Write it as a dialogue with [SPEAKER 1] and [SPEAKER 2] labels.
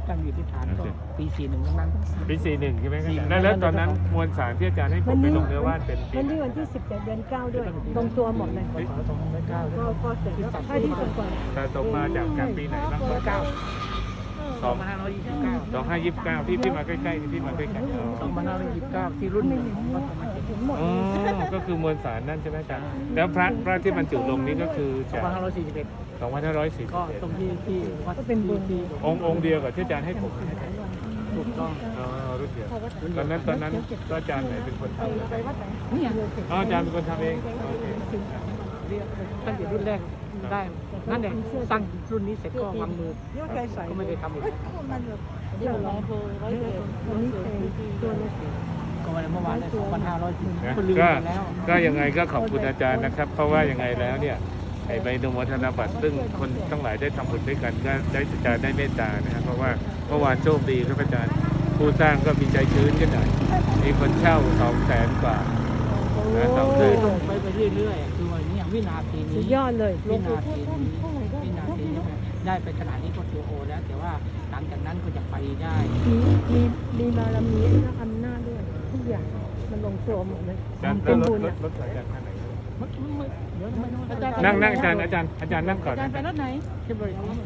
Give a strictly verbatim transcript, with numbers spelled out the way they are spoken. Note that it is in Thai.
[SPEAKER 1] ตั้งอยู่ที่ฐานก็ปีสี่หนึ่งทั้งนั้น
[SPEAKER 2] ปีสี่หนึ่งใช่ไหมครับแล้วแล้วตอนนั้นมวลสารที่อาจารย์ให้ผมไปลงเนื้อว่านเป็นปี
[SPEAKER 3] วันที่วันที่สิบเจ็ดเดือนเก้าด้วยตรงตัวหมดเลย
[SPEAKER 1] พศสองพันเก้า
[SPEAKER 3] ก็ก็เสร็จแล้วถ้าที่ตรงก่อน
[SPEAKER 2] แต่ตกมาจากจากปีไหนบ้าง
[SPEAKER 1] เก้า
[SPEAKER 2] สองพันห้าร้อยยี่สิบเก้าสองห้ายี่สิบเก้าพี่พี่มาใกล้ๆพี่มาใกล้ๆ
[SPEAKER 1] สองพันห้าร้อยยี่สิบเก้าที่รุ่นหนึ่งของวัดธรรมจิต
[SPEAKER 3] ถึงหมด
[SPEAKER 2] อ๋อก็คือมวลสารนั่นใช่ไหมอาจารย์แล้วพระพระที่บรรจุลงนี้ก็คือ
[SPEAKER 1] สอง
[SPEAKER 2] จาก
[SPEAKER 1] พันห้าร้อยสี่สิบเอ็ด
[SPEAKER 2] สองพันห้าร้อยสี่สิ
[SPEAKER 1] ก็
[SPEAKER 2] บเอ็ด
[SPEAKER 1] ตรงที่ที่วัด
[SPEAKER 3] ก็เป็นบุญ
[SPEAKER 1] ที่
[SPEAKER 2] องค์องค์เดียวกับที่อาจารย์ให้ผม
[SPEAKER 1] ถูกต้อง
[SPEAKER 2] อ๋อรุ่นเดียวตอนนั้นตอนนั้นก็อาจารย์ไหนเป็นคนทำ
[SPEAKER 3] ไปวัดไหน
[SPEAKER 1] เนี่ย
[SPEAKER 2] อ๋ออาจารย์เป็นคนทำเองโอเค
[SPEAKER 1] เรียกตั้งแต่รุ่นแรกได้นั่นแหละตั้งรุ่นนี้เสร็จก็วางมือก็ไม่ได้ทำอีก
[SPEAKER 3] เดี๋ยวเราวันนี้เป็นตัวนี้
[SPEAKER 1] ก็วันเมื่อวานได้สองพันห้าร้อย
[SPEAKER 2] นะ
[SPEAKER 1] คนลืม
[SPEAKER 2] ก็
[SPEAKER 1] ไปแล้ว
[SPEAKER 2] ก็ยังไงก็ขอบคุณอาจารย์นะครับ เพราะว่ายังไงแล้วเนี่ยไอ้ใบอนุโมทนาบัตรซึ่งคนทั้งหลายได้ทำบุญด้วยกันก็ได้อาจารย์ได้เมตตานะครับเพราะว่าเมื่อวานโชคดีครับอาจารย์ผู้สร้างก็มีใจชื้นกันหน่อยมีคนเช่าสองแสนกว่านะสองแส
[SPEAKER 1] คือน ลงไปไปเรื่อยๆคือว่าเนี่ยวินาที
[SPEAKER 3] สุ
[SPEAKER 1] นี้
[SPEAKER 3] ดยอดเลย
[SPEAKER 1] วินาทีนี้วินาทีนี้ได้ไปขนาดนี้ก็ถือโอแล้ว แต่ว่าหลังจากนั้นก็จะไปได้
[SPEAKER 3] มีมีมีบารมีและอำนาจด้วยทุกอย่างมันลงตัวหมดเลย
[SPEAKER 2] อาจารย์
[SPEAKER 3] เป็น
[SPEAKER 2] รถ
[SPEAKER 3] บุญ
[SPEAKER 2] รถ
[SPEAKER 3] อ่ะ
[SPEAKER 2] รถอาจารย์ท่านไหน
[SPEAKER 1] เมื่อกี้เมื่อเดี๋ยวไม่รู้
[SPEAKER 2] นั่งนั่งอาจารย์อาจารย์อาจารย์นั่งก่อน
[SPEAKER 1] อาจาร
[SPEAKER 2] นะ
[SPEAKER 1] ย์ไปรถไหนขึ้นบริษัท